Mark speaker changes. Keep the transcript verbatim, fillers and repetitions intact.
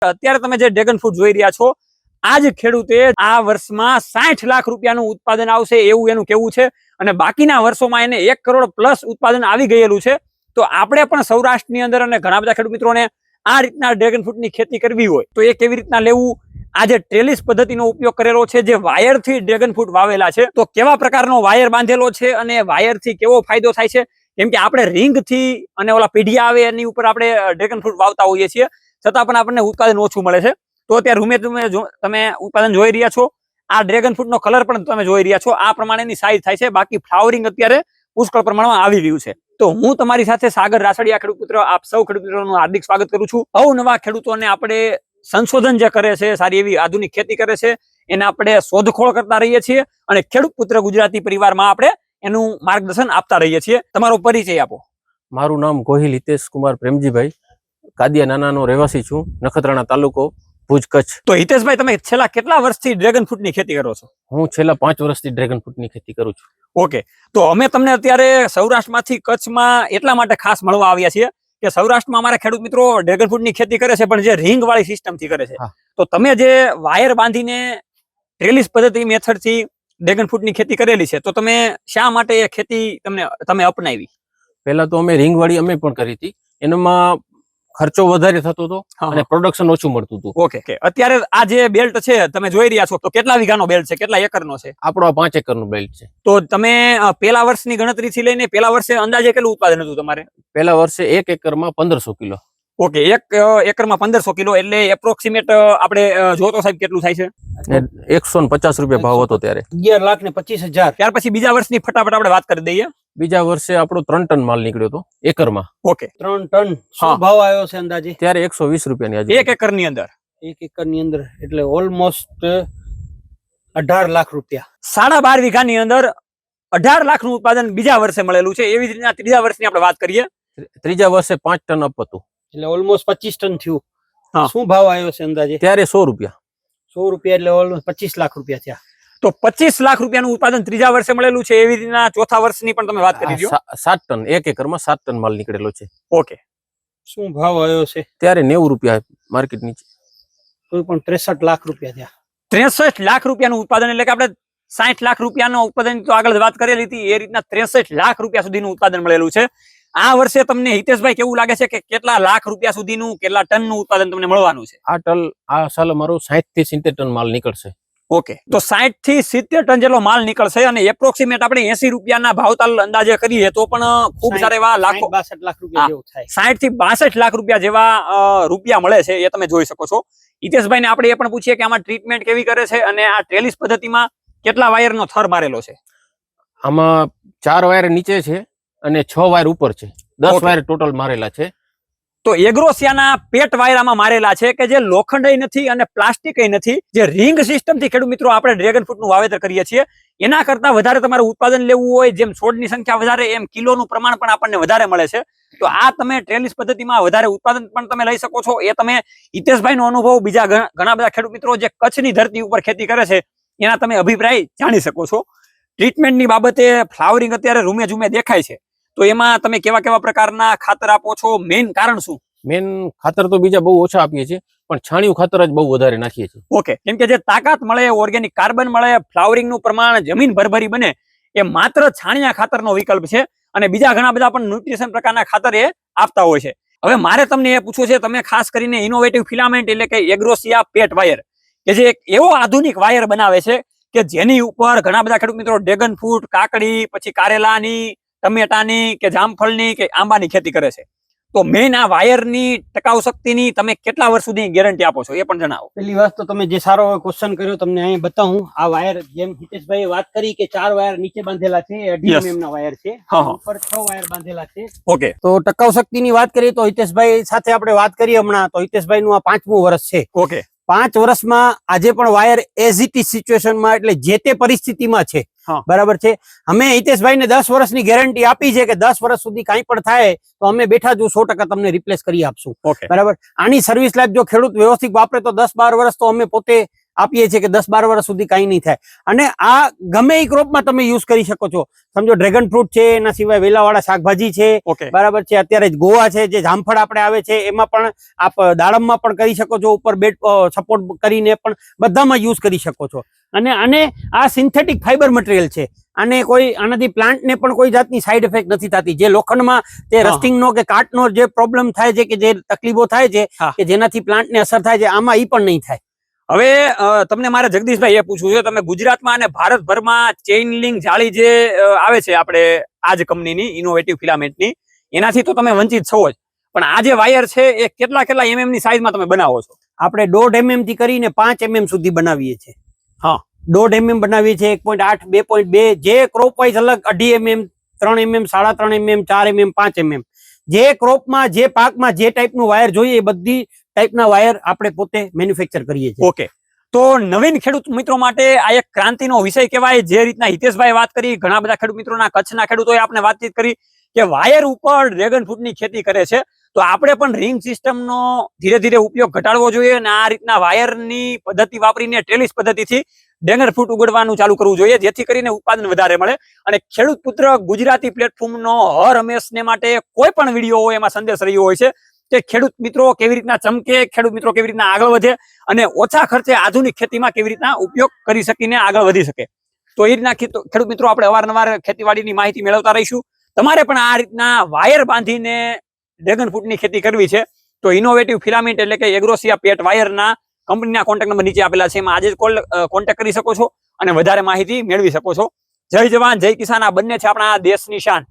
Speaker 1: અત્યારે તમે જે ડ્રેગન ફ્રૂટ જોઈ રહ્યા છો, આ જ ખેડૂતે આ વર્ષમાં સાઠ લાખ રૂપિયાનું ઉત્પાદન આવશે એવું એનું કેવું છે, અને બાકીના વર્ષોમાં એને એક કરોડ પ્લસ ઉત્પાદન આવી ગયેલું છે. તો આપણે પણ સૌરાષ્ટ્રની અંદર અને ઘણા બધા ખેડૂત મિત્રોને આ રીતના ડ્રેગન ફ્રૂટની ખેતી કરવી હોય તો એ કેવી રીતના લેવું, આ જે ટ્રેલિસ પદ્ધતિનો ઉપયોગ કરેલો છે, જે વાયરથી ડ્રેગન ફ્રૂટ વાવેલા છે, તો કેવા પ્રકારનો વાયર બાંધેલો છે અને વાયરથી કેવો ફાયદો થાય છે. કેમ કે આપણે રીંગથી અને ઓલા પીઢિયા આવે એની ઉપર આપણે ડ્રેગન ફ્રૂટ વાવતા હોઈએ છીએ, છતાં પણ આપણને ઉત્પાદન ઓછું મળે છે. તો અત્યારે રૂમે તમે તમે ઉત્પાદન જોઈ રહ્યા છો, આ ડ્રેગન ફ્રૂટનો કલર પણ તમે જોઈ રહ્યા છો, આ પ્રમાણેની સાઈઝ થાય છે. બાકી ફ્લાવરિંગ અત્યારે પુષ્કળ પ્રમાણમાં આવી રહ્યું છે. તો હું તમારી સાથે સાગર રાસડિયા, ખેડૂત પુત્ર, આપ સૌ ખેડૂત મિત્રોનું હાર્દિક સ્વાગત કરું છું. અવનવા ખેડૂતોને આપણે સંશોધન જે કરે છે, સારી એવી આધુનિક ખેતી કરે છે, એને આપણે શોધખોળ કરતા રહીએ છીએ અને ખેડૂત પુત્ર ગુજરાતી પરિવારમાં આપણે એનું માર્ગદર્શન આપતા રહીએ છીએ. તમારો પરિચય આપો.
Speaker 2: મારું નામ ગોહિલ હિતેશ કુમાર પ્રેમજીભાઈ, કાદિયા નાનાનો રહેવાસી છું, નખત્રાણા તાલુકો, ભુજ, કચ્છ.
Speaker 1: તો હિતેશભાઈ, તમે છેલ્લા કેટલા વર્ષથી ડ્રેગન ફ્રૂટની ખેતી કરો છો?
Speaker 2: હું છેલ્લા પાંચ વર્ષથી ડ્રેગન ફ્રૂટની ખેતી કરું છું.
Speaker 1: ઓકે, તો અમે તમને અત્યારે સૌરાષ્ટ્રમાંથી કચ્છમાં એટલા માટે ખાસ મળવા આવ્યા છીએ કે સૌરાષ્ટ્રમાં અમારા ખેડૂત મિત્રો ડ્રેગન ફ્રૂટની ખેતી કરે છે, પણ જે રીંગ વાળી સિસ્ટમથી કરે છે. તો તમે જે વાયર બાંધીને ટ્રેલિસ પદ્ધતિ મેથડથી ડ્રેગન ફ્રૂટની ખેતી કરેલી છે, તો તમે શા માટે એ ખેતી તમને તમે અપનાવી?
Speaker 2: પહેલા તો અમે રીંગ વાળી અમે પણ કરી હતી, એનામાં ખર્ચો વધારે થતો હતો અને પ્રોડક્શન ઓછું મળતું હતું.
Speaker 1: ઓકે, અત્યારે આ જે બેલ્ટ છે તમે જોઈ રહ્યા છો, તો કેટલા વીઘાનો બેલ્ટ છે, કેટલા એકરનો છે?
Speaker 2: આપણો આ પાંચ એકરનો બેલ્ટ છે.
Speaker 1: તો તમે પેલા વર્ષની ગણતરીથી લઈને પેલા વર્ષે અંદાજે કેટલું ઉત્પાદન હતું તમારે?
Speaker 2: પેલા વર્ષે એક એકરમાં પંદરસો કિલો.
Speaker 1: ઓકે, એક એકરમાં પંદરસો કિલો એટલે એપ્રોક્સિમેટ આપણે જોતો સાહેબ કેટલું થાય છે?
Speaker 2: એકસો પચાસ રૂપિયા ભાવ હતો ત્યારે,
Speaker 3: અગિયાર લાખ ને પચીસ હજાર.
Speaker 1: ત્યાર પછી બીજા વર્ષની ફટાફટ આપણે વાત કરી દઈએ.
Speaker 2: બીજા વર્ષે આપણો ત્રણ ટન માલ નીકળ્યો હતો એકરમાં.
Speaker 1: ઓકે,
Speaker 3: ત્રણ ટન. શું ભાવ આવ્યો છે અંદાજે?
Speaker 2: ત્યારે એકસો વીસ રૂપિયાની આજે
Speaker 1: એક એકર ની અંદર.
Speaker 3: એક એકર ની અંદર એટલે ઓલમોસ્ટ અઢાર લાખ રૂપિયા.
Speaker 1: સાડા બાર વીઘા ની અંદર અઢાર લાખ નું ઉત્પાદન બીજા વર્ષે મળેલું છે. એવી જ રીતના ત્રીજા વર્ષની આપણે વાત કરીએ,
Speaker 2: ત્રીજા વર્ષે પાંચ ટન અપ હતું
Speaker 3: એટલે ઓલમોસ્ટ પચીસ ટન થયું. શું ભાવ આવ્યો છે અંદાજે?
Speaker 2: ત્યારે સો રૂપિયા.
Speaker 3: સો રૂપિયા એટલે ઓલમોસ્ટ પચીસ લાખ રૂપિયા થયા.
Speaker 1: તો પચીસ લાખ રૂપિયાનું ઉત્પાદન ત્રીજા વર્ષે મળેલું છે. એવી રીતના ચોથા વર્ષની પણ તમે વાત કરી દો.
Speaker 2: સાત ટન, એક એકરમાં સાત ટન માલ નીકળેલો છે.
Speaker 1: ઓકે,
Speaker 3: શું ભાવ આવ્યો છે?
Speaker 2: ત્યારે નેવું રૂપિયા માર્કેટ નીચે.
Speaker 3: કોઈ પણ ત્રેસઠ લાખ રૂપિયા થયા.
Speaker 1: ત્રેસઠ લાખ રૂપિયાનું ઉત્પાદન એટલે કે આપણે સાઠ લાખ રૂપિયાનું ઉત્પાદન તો આગળ વાત કરેલી હતી, એ રીતના ત્રેસઠ લાખ રૂપિયા સુધીનું ઉત્પાદન મળેલું છે. આ વર્ષે તમને હિતેશભાઈ કેવું લાગે છે કે કેટલા લાખ રૂપિયા સુધીનું, કેટલા ટનનું ઉત્પાદન તમને મળવાનું છે?
Speaker 2: આ ટન આ સાલ અમારો સાઠ થી સિત્તેર ટન માલ નીકળશે.
Speaker 1: ઓકે, તો સાઠ થી સિત્તેર ટન જેટલો માલ નીકળશે અને એપ્રોક્સિમેટ આપણે એસી રૂપિયાના ભાવતાલ અંદાજે કરીએ તો પણ ખૂબ સારા એવા લાખો
Speaker 3: બાસઠ લાખ રૂપિયા જેવું થાય.
Speaker 1: સાઠ થી બાસઠ લાખ રૂપિયા જેવા રૂપિયા મળે છે, એ તમે જોઈ શકો છો. હિતેશભાઈ ને આપણે એ પણ પૂછીએ કે આમાં ટ્રીટમેન્ટ કેવી કરે છે અને આ ટ્રેલિસ પદ્ધતિમાં કેટલા વાયરનો થર મારેલો છે?
Speaker 2: આમાં ચાર વાયર નીચે છે અને છ વાયર ઉપર છે, દસ વાયર ટોટલ મારેલા છે.
Speaker 1: તો એગ્રોસિયાના પેટ વાયરામાં મારેલા છે કે જે લોખંડય નથી અને પ્લાસ્ટિકય નથી. જે રિંગ સિસ્ટમથી ખેડૂત મિત્રો આપણે ડ્રેગન ફ્રૂટનું વાવેતર કરીએ છીએ, એના કરતા વધારે તમારે ઉત્પાદન લેવું હોય, જેમ છોડની સંખ્યા વધારે એમ કિલોનું પ્રમાણ પણ આપણને વધારે મળે છે. તો આ તમે ટ્રેલિસ પદ્ધતિમાં વધારે ઉત્પાદન પણ તમે લઈ શકો છો. એ તમે હિતેશભાઈનો અનુભવ, બીજા ઘણા બધા ખેડૂત મિત્રો જે કચ્છની ધરતી ઉપર ખેતી કરે છે એના તમે અભિપ્રાય જાણી શકો છો. ટ્રીટમેન્ટની બાબતે ફ્લાવરિંગ અત્યારે રૂમે ઝૂમે દેખાય છે, તો એમાં તમે કેવા કેવા પ્રકારના ખાતર આપો છો? મેઇન કારણ શું?
Speaker 2: મેન ખાતર તો બીજા બહુ ઓછા આપીએ છીએ, પણ છાણિયું ખાતર જ બહુ વધારે નાખીએ છીએ.
Speaker 1: ઓકે, કેમ કે જે તાકાત મળે, ઓર્ગેનિક કાર્બન મળે, ફ્લાવરિંગ નું પ્રમાણ જમીન ભરભરી બને, એ માત્ર છાણિયા ખાતરનો વિકલ્પ છે. અને બીજા ઘણા બધા પણ ન્યુટ્રિશન પ્રકારના ખાતર એ આપતા હોય છે. હવે મારે તમને એ પૂછવું છે, તમે ખાસ કરીને ઇનોવેટિવ ફિલામેન્ટ એટલે કે એગ્રોસિયા પેટ વાયર, કે જે એક એવો આધુનિક વાયર બનાવે છે કે જેની ઉપર ઘણા બધા ખેડૂત મિત્રો ડ્રેગન ફ્રૂટ, કાકડી, પછી કારેલાની, ટમેટાની કે જામફળની કે આંબાની ખેતી કરે છે. તો મેઇન આ વાયરની ટકાઉ શક્તિની તમે કેટલા વર્ષ સુધી ગેરંટી આપો છો એ પણ જણાવો.
Speaker 3: પેલી વાત તો તમે જે સારો ક્વેશ્ચન કર્યો, તમને અહીં બતાવું. આ વાયર જેમ હિતેશભાઈ વાત કરી કે ચાર વાયર નીચે બાંધેલા છે, અઢી એમએમ ના વાયર છે, ઉપર છ વાયર બાંધેલા છે.
Speaker 1: ઓકે,
Speaker 3: તો ટકાઉ શક્તિની વાત કરીએ તો હિતેશભાઈ સાથે આપણે વાત કરીએ હમણાં, તો હિતેશભાઈ નું આ પાંચમું વર્ષ છે.
Speaker 1: ઓકે,
Speaker 3: પાંચ વર્ષમાં આજે પણ વાયર એઝ ઇટ ઇઝ સિચ્યુએશનમાં, એટલે જે તે પરિસ્થિતિમાં છે. બરાબર છે. અમે હિતેશભાઈ ને દસ વર્ષની ગેરંટી આપી છે કે દસ વર્ષ સુધી કઈ પણ થાય તો અમે બેઠા જો સો ટકા તમને રિપ્લેસ કરી આપશું. બરાબર. આની સર્વિસ લાઈફ જો ખેડૂત વ્યવસ્થિત વાપરે તો દસ બાર વર્ષ તો અમે પોતે આપીએ છીએ કે દસ બાર વર્ષ સુધી કાંઈ નહીં થાય. અને આ ગમે એ ક્રોપમાં તમે યુઝ કરી શકો છો. સમજો ડ્રેગન ફ્રૂટ છે, એના સિવાય વેલાવાળા શાકભાજી છે,
Speaker 1: ઓકે
Speaker 3: બરાબર છે, અત્યારે જ ગોવા છે, જે જામફળ આપણે આવે છે એમાં પણ આપ દાડમમાં પણ કરી શકો છો, ઉપર બેડ સપોર્ટ કરીને પણ બધામાં યુઝ કરી શકો છો. અને આને આ સિન્થેટિક ફાઈબર મટીરિયલ છે. આને કોઈ આનાથી પ્લાન્ટને પણ કોઈ જાતની સાઈડ ઇફેક્ટ નથી થતી. જે લોખંડમાં તે રસ્ટિંગનો કે કાટનો જે પ્રોબ્લેમ થાય છે, કે જે તકલીફો થાય છે, કે જેનાથી પ્લાન્ટને અસર થાય છે, આમાં ઈ પણ નહીં થાય.
Speaker 1: હવે તમને મારે જગદીશભાઈ એ પૂછવું છે, તમે ગુજરાતમાં અને ભારતભરમાં ચેઇન લિંક જાળી જે આવે છે આપણે આ જ કંપનીની ઇનોવેટિવ ફિલામેન્ટની, એનાથી તો તમે વંચિત છો જ, પણ આ જે વાયર છે એ કેટલા કેટલા એમએમ ની સાઈઝમાં તમે બનાવો છો?
Speaker 3: આપણે દોઢ એમએમ થી કરીને પાંચ એમએમ સુધી બનાવીએ છીએ.
Speaker 1: હા,
Speaker 3: દોઢ એમએમ બનાવીએ છીએ, એક પોઈન્ટ આઠ, બે પોઈન્ટ બે, જે ક્રોપ વાઇઝ અલગ, અઢી એમએમ, ત્રણ એમએમ, સાડા ત્રણ એમએમ, ચાર એમએમ, પાંચ એમએમ, જે ક્રોપમાં જે પાકમાં જે ટાઈપનું વાયર જોઈએ એ બધી ટાઈપના વાયર આપણે પોતે મેન્યુફેક્ચર કરીએ છીએ.
Speaker 1: ઓકે, તો નવીન ખેડૂત મિત્રો માટે આ એક ક્રાંતિનો વિષય કહેવાય. જે રીતના હિતેશભાઈ વાત કરી, ઘણા બધા ખેડૂત મિત્રોના કચ્છના ખેડૂતોએ આપણે વાતચીત કરી કે વાયર ઉપર ડ્રેગન ફ્રૂટની ખેતી કરે છે, તો આપણે પણ રિંગ સિસ્ટમનો ધીરે ધીરે ઉપયોગ ઘટાડવો જોઈએ અને આ રીતના વાયરની પદ્ધતિ વાપરીને ટ્રેલિસ પદ્ધતિથી ડ્રેગન ફ્રૂટ ઉગાડવાનું ચાલુ કરવું જોઈએ, જેથી કરીને ઉત્પાદન વધારે મળે. અને ખેડૂત પુત્ર ગુજરાતી પ્લેટફોર્મનો હર હંમેશને માટે કોઈ પણ વિડીયો હોય એમાં સંદેશ રહ્યો હોય છે કે ખેડૂત મિત્રો કેવી રીતના ચમકે, ખેડૂત મિત્રો કેવી રીતના આગળ વધે અને ઓછા ખર્ચે આધુનિક ખેતીમાં કેવી રીતના ઉપયોગ કરી શકીને આગળ વધી શકે. તો એ રીતના ખેડૂત મિત્રો આપણે અવારનવાર ખેતીવાડીની માહિતી મેળવતા રહીશું. તમારે પણ આ રીતના વાયર બાંધીને ડ્રેગન ફ્રૂટની ખેતી કરવી છે તો ઇનોવેટિવ ફિલામેન્ટ એટલે કે એગ્રોસિયા પેટ વાયરના કંપનીના કોન્ટેક્ટ નંબર નીચે આપેલા છે, એમાં આજે જ કોલ કોન્ટેક્ટ કરી શકો છો અને વધારે માહિતી મેળવી શકો છો. જય જવાન જય કિસાન, આ બંને છે આપણા દેશની શાન.